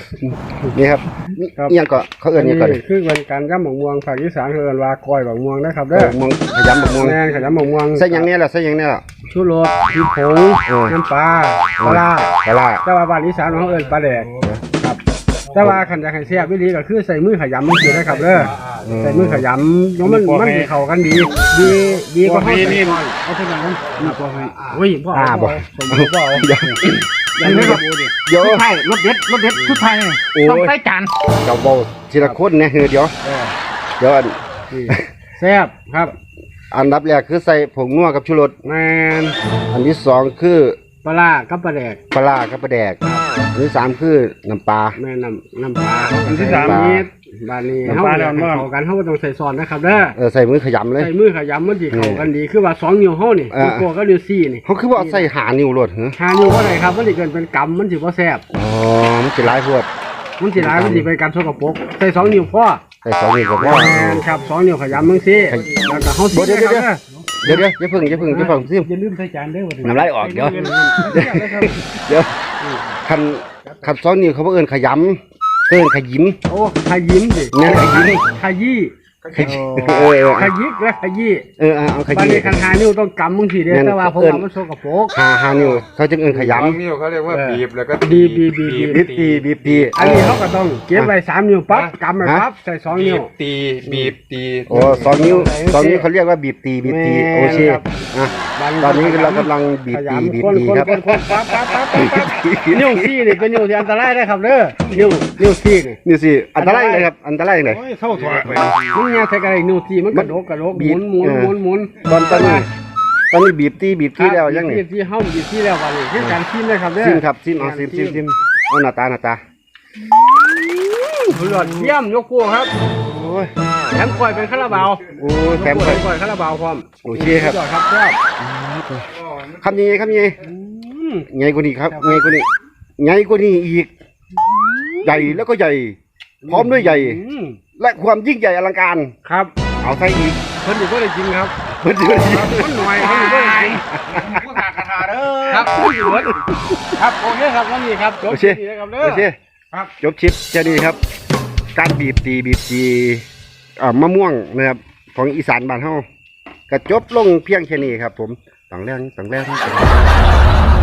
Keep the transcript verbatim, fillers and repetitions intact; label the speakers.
Speaker 1: นี่ครับยังก็เขาเอื้อนยังก่อน
Speaker 2: คือเป็นการย่ำหมกม่วงภาคอีสานเอื้อนว่าก้อยหมกม่วงนะครับเด้อ
Speaker 1: ม่วงขยำหมกม่วง
Speaker 2: แม่นขยำหมกม่วง
Speaker 1: ใส่ยังเนี่ยแหละใส่ยังเนี่ยแหละ
Speaker 2: ชูรสพริกผงน้ำปลาปลา
Speaker 1: ปลา
Speaker 2: แต่ว่าบ้านอีสานเขาเอื้อนปลาแดกครับแต่ว่าขันจะให้แซ่บวิธีก็คือใส่มือขยำมันสินะครับเด้อใส่มือขยำแล้วมันมันสิเข้ากันดีดีดีกว่าเขานี่เอาเท่านั้นนี่พอให้โอ้ยพ่อ
Speaker 1: บ่
Speaker 2: สมบูรณ์พ่อยังไม่ครับ
Speaker 1: เดี๋ยว
Speaker 3: ใช่รสเด็ดรสเด็ดทุกไทยต้องใส่จาน
Speaker 1: เจ้าโบทีละคนเนี่ยเดี๋ยวเดี๋ยว
Speaker 2: แซ่บครับ
Speaker 1: อันดับแรกคือใส่ผงนัวกับชูรส
Speaker 2: แมน
Speaker 1: อันที่สองคือ
Speaker 2: ปลากับปลาแดก
Speaker 1: ปลากับปลาแดกอันที่สามคือน้ำปลา
Speaker 2: แม่น้ำน้ำปลาอันที่สามนี้บานนี้เขาเข้ากันเขาต้องใส่ซอสนะครับเด้อ
Speaker 1: เออใส่มือขยำเลย
Speaker 2: ใส่มือขยำมันดีเข้ากันดีคือว่าสองนิ้วเขานี่นิ้วโป้ก็นิ้วซี่นี่
Speaker 1: เขาคือว่าใส่หานิ้วรดเหรอ
Speaker 2: หานิ้วว่าไรครับมันจะเกินเป็นกำมันถือว่าแซ่บ
Speaker 1: อ๋อมันจะร้ายพวด
Speaker 2: มันจะร้ายมันจะไปการสกปรกใส่สองนิ้วพ่อ
Speaker 1: ใส่สองนิ้วกับพ่อ
Speaker 2: ครับสองนิ้วขยำมึงสิแล้วก็เขาซี่
Speaker 1: เดี๋ยวเดี๋ยวเดี๋ยวอย่าพึ่งอย่าพึ่งอย่าพึ่งซิ
Speaker 2: อย่าลืมใส่จานเด้อ
Speaker 1: น้ำลายออกเดี๋ยวเดี๋ยวคันคันสองนิ้วเขาเอิ้นขยำเอิ้นขยิม
Speaker 2: โอ้ขยิมดิ
Speaker 1: เนี่ยขยิม
Speaker 2: ขยี้
Speaker 1: ขยี้เออ
Speaker 2: ขยิกและขยี้
Speaker 1: เออเอาขยี้
Speaker 2: บางทีคันหานิ้วต้องกำมึงสิเด้แต่ว่าผมว่ามันโซกโปก
Speaker 1: หาหานิ้วเขาจึงเอิ้นขยำ
Speaker 4: นิ้วเขาเรียกว่าบีบแล้วก็
Speaker 2: บีบบีบบีบ
Speaker 1: บีบตีบีบตี
Speaker 2: อันนี้เขาก็ต้องเก็บไว้สามนิ้วปั๊บกำไปปั๊บใส่สองนิ้ว
Speaker 4: ตีบีบตี
Speaker 1: โอ้สองนิ้วสองนิ้วเขาเรียกว่าบีบตีบีบตีโอเคอ่ะตอนนี้เรากำลังบีบตีบีบตีครับ
Speaker 2: นิ้วซี่นี่เป็นนิ้วที่อันตรายนะครับเด้อนิ้วนิ้วซี่นี่
Speaker 1: นิ้วซี่อันตรายเลยครับอันตรายเลย
Speaker 2: เท่าถอดไปมันยังใช้กระไรนิ้วซี่มันกระโดดกระโดดหมุนหมุนหมุนหมุน
Speaker 1: ตอนตอนนี้ตอนนี้บีบตีบีบตีแล้วยังไง
Speaker 2: บีบตีเฮ้าบีบตีแล้ววันนี้คือการชิมเลยครับเด้อ
Speaker 1: ชิมครับชิมเอาชิมชิมชิมเอาหน้าตาหน้าตา
Speaker 2: หลอดเยี่ยมยกพวกครับ
Speaker 1: โอ้ย
Speaker 2: แถมกล้วยเป็นคาราบาว
Speaker 1: โอ้แถมก
Speaker 2: ล้วยคาราบาวพร้อม
Speaker 1: โอเคครับ
Speaker 2: ครับครับ
Speaker 1: คำยังไงคำยังไงใหญ่กว่านี้ครับใหญ่กว่านี้ใหญ่กว่านี้อีกใหญ่แล้วก็ใหญ่พร้อมด้วยใหญ่และความยิ่งใหญ่อลังการ
Speaker 2: ครับ
Speaker 1: เอาใส่อีก
Speaker 2: เพิ่นอยู่ก็ได้จริงครับ
Speaker 1: เพิ่นอยู่ก็ได้จริง
Speaker 2: เพิ่นหน่อยเพิ่นอยู่ก็ได้จริง
Speaker 4: ผู้ขาดคาถาเด้อ
Speaker 2: ครับเพิ่นอยู่ครับโอเคครับนั่นนี่ครับจบคลิปนี้ครับเด้อ
Speaker 1: โอเคครับจบคลิปแค่นี้ครับการบีบตีบีบตีอ่ามะม่วงนะครับของอีสานบ้านเฮากระจบลงเพียงแค่นี้ครับผมต่างแรงต่างแรง